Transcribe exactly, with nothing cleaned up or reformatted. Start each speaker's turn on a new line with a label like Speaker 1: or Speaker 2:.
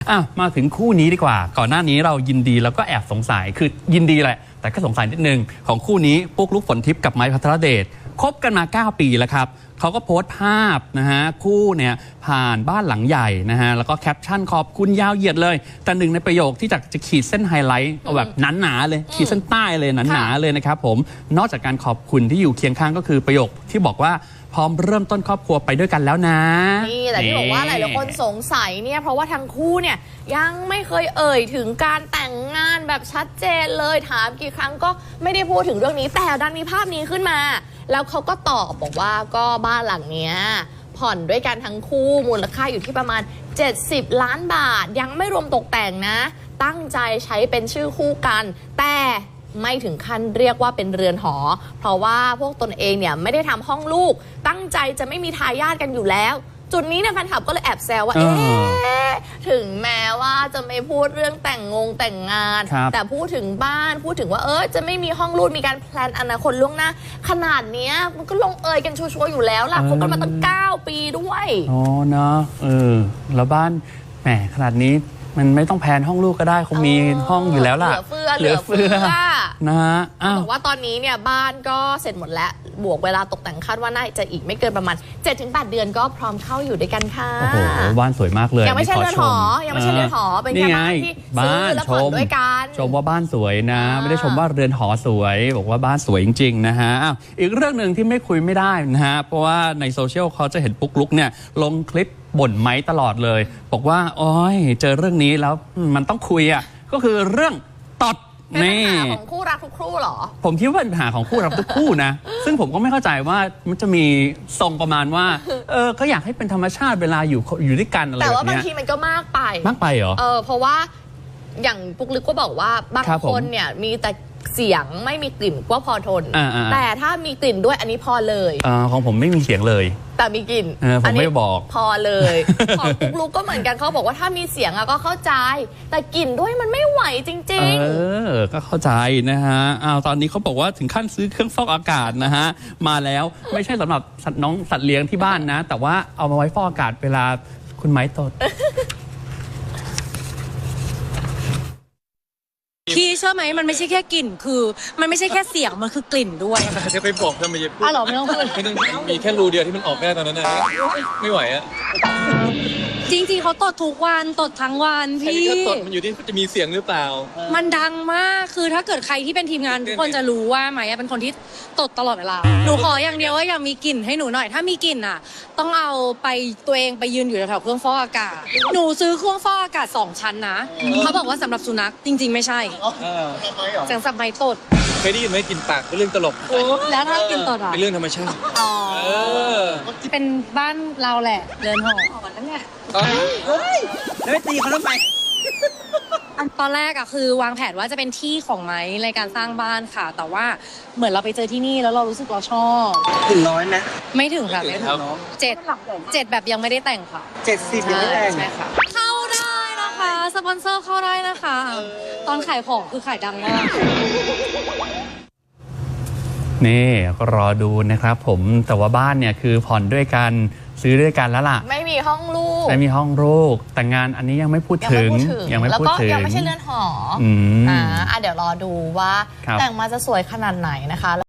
Speaker 1: อ่ะมาถึงคู่นี้ดีกว่าก่อนหน้านี้เรายินดีแล้วก็แอบสงสัยคือยินดีแหละแต่ก็สงสัยนิดนึงของคู่นี้ปุ๊กลุกฝนทิพย์กับไม้พัทรเดชคบกันมาเก้าปีแล้วครับเขาก็โพสต์ภาพนะฮะคู่เนี่ยผ่านบ้านหลังใหญ่นะฮะแล้วก็แคปชั่นขอบคุณยาวเหยียดเลยแต่หนึ่งในประโยคที่จะจะขีดเส้นไฮไลท์เอาแบบหนาๆเลยขีดเส้นใต้เลยหนาๆเลยนะครับผมนอกจากการขอบคุณที่อยู่เคียงข้างก็คือประโยคที่บอกว่าพร้อมเริ่มต้นครอบครัวไปด้วยกันแล้วนะ
Speaker 2: นี่แต่ที่บอกว่าหลายๆคนสงสัยเนี่ยเพราะว่าทั้งคู่เนี่ยยังไม่เคยเอ่ยถึงการแต่งงานแบบชัดเจนเลยถามกี่ครั้งก็ไม่ได้พูดถึงเรื่องนี้แต่ดันมีภาพนี้ขึ้นมาแล้วเขาก็ตอบบอกว่าก็บ้านหลังเนี้ยผ่อนด้วยกันทั้งคู่มูลค่าอยู่ที่ประมาณเจ็ดสิบล้านบาทยังไม่รวมตกแต่งนะตั้งใจใช้เป็นชื่อคู่กันแต่ไม่ถึงขั้นเรียกว่าเป็นเรือนหอเพราะว่าพวกตนเองเนี่ยไม่ได้ทำห้องลูกตั้งใจจะไม่มีทายาทกันอยู่แล้วจุดนี้เนี่ยแฟนคลับก็เลยแอบแซวว่าเอ๊ะถึงแม้ว่าจะไม่พูดเรื่องแต่งงงแต่งงานแต่พูดถึงบ้านพูดถึงว่าเออจะไม่มีห้องลูกมีการแพลนอนาคตล่วงหน้าขนาดเนี้ยมันก็ลงเอยกันชัวร์ๆอยู่แล้วล่ะคบกันมาตั้งเก้าปีด้วย
Speaker 1: อ๋อเนาะเออแล้วบ้านแหมขนาดนี้มันไม่ต้องแพนห้องลูกก็ได้คงมีห้องอยู่แล้วล่ะ
Speaker 2: เหลือเฟือเหลือเฟือ
Speaker 1: นะฮะ
Speaker 2: บอกว่าตอนนี้เนี่ยบ้านก็เสร็จหมดแล้วบวกเวลาตกแต่งคาดว่าน่าจะอีกไม่เกินประมาณ เจ็ดถึงแปด เดือนก็พร้อมเข้าอยู่ด้วยกันค่ะ
Speaker 1: โอ้โหบ้านสวยมากเลย
Speaker 2: ยังไม่ใช่เรือนหอยังไม่ใช่เรือนหอเป็นแค่บ้านที่ซื้อแล้วผ่อนด้วยกัน
Speaker 1: ชมว่าบ้านสวยนะไม่ได้ชมว่าเรือนหอสวยบอกว่าบ้านสวยจริงๆนะฮะอีกเรื่องหนึ่งที่ไม่คุยไม่ได้นะฮะเพราะว่าในโซเชียลเขาจะเห็นปุ๊กลุกเนี่ยลงคลิปบ่นไม้ตลอดเลยบอกว่าโอ้ยเจอเรื่องนี้แล้วมันต้องคุยอ่ะก็คือเรื่องตด
Speaker 2: เป็นปัญหาของคู่รักทุกคู่หรอ
Speaker 1: ผมคิดว่าเป็นปัญหาของคู่รักทุกคู่นะซึ่งผมก็ไม่เข้าใจว่ามันจะมีทรงประมาณว่าเออก็อยากให้เป็นธรรมชาติเวลาอยู่อยู่ด้วยกันอะไรแบบนี้
Speaker 2: แต่ว่าบางทีมันก็มากไป
Speaker 1: มากไปเหรอ
Speaker 2: เออเพราะว่าอย่างปุ๊กลึกก็บอกว่าบางคนเนี่ยมีแต่เสียงไม่มีกลิ่นก็พอทนแต่ถ้ามีกลิ่นด้วยอันนี้พอเลย
Speaker 1: อของผมไม่มีเสียงเลย
Speaker 2: แต่มีกลิ่น
Speaker 1: ผมไม่บอก
Speaker 2: พอเลยของปุ๊กลุกก็เหมือนกันเขาบอกว่าถ้ามีเสียงอะก็เข้าใจแต่กลิ่นด้วยมันไม่ไหวจริง
Speaker 1: ๆเออก็เข้าใจนะฮะอ้าวตอนนี้เขาบอกว่าถึงขั้นซื้อเครื่องฟอกอากาศนะฮะมาแล้วไม่ใช่สำหรับสัตว์น้องสัตว์เลี้ยงที่บ้านนะแต่ว่าเอามาไว้ฟอกอากาศเวลาคุณไม้ตด
Speaker 3: พี่เชื่อไหมมันไม่ใช่แค่กลิ่นคือมันไม่ใช่แค่เสียงมันคือกลิ่นด้วย
Speaker 4: จะไปบอกทำไมจะพูด
Speaker 3: อ๋อเหรอไม่ต้องพูด
Speaker 4: ไม่ต้องมีแค่รูเดียวที่มันออกแค่ตอนนั้นนะไม่ไหวอะ
Speaker 3: จริงๆเขาตดทุกวันตดทั้งวันพี่
Speaker 4: ก็ตดมันอยู่ที่จะมีเสียงหรือเปล่า
Speaker 3: มันดังมากคือถ้าเกิดใครที่เป็นทีมงานทุกคนจะรู้ว่าไหมเป็นคนที่ตดตลอดเวลาหนูขออย่างเดียวว่าอย่ามีกลิ่นให้หนูหน่อยถ้ามีกลิ่นอ่ะต้องเอาไปตัวเองไปยืนอยู่แถวเครื่องฟอกอากาศหนูซื้อเครื่องฟอกอากาศสองชั้นนะเขาบอกว่าสำหรับสุนัขจริงๆไม่ใช่เสียงสับไม้ตด
Speaker 4: เคยได้ยินไหมกลิ่นปากเป็นเรื่องตลก
Speaker 3: แล้วถ้ากลิ่นตดอ่ะ
Speaker 4: เป็นเรื่องธรรมชาติ
Speaker 3: อ๋อเป็นบ้านเราแหละเดินหอนั่นแหละ
Speaker 4: เฮ้ยแล้วไม่ตีเขาทำไม
Speaker 3: ตอนแรกอะคือวางแผนว่าจะเป็นที่ของไม้ในการสร้างบ้านค่ะแต่ว่าเหมือนเราไปเจอที่นี่แล้วเรารู้สึกเราชอบ
Speaker 5: ถึงร้อยไหม
Speaker 3: ไม่ถึงค่ะไม่ถึงเจ็ดเจ็ดแบบยังไม่ได้แต่งค่ะ
Speaker 5: เจ็ดสิบยังไม่แต่ง
Speaker 3: ใช่ค่ะเข้าได้นะคะสปอนเซอร์เข้าได้นะคะตอนขายของคือขายดังมาก
Speaker 1: นี่ก็รอดูนะครับผมแต่ว่าบ้านเนี่ยคือผ่อนด้วยกันซื้อด้วยกันแล้วล่ะ
Speaker 2: ไม่มีห้องลูก
Speaker 1: ไม่มีห้องลูกแต่งานอันนี้ยังไม่พูดถึง
Speaker 2: ยังไม่พูดถึงแล้วก็ยังไม่ใช่เรือนหออ่าเดี๋ยวรอดูว่าแต่งมาจะสวยขนาดไหนนะคะ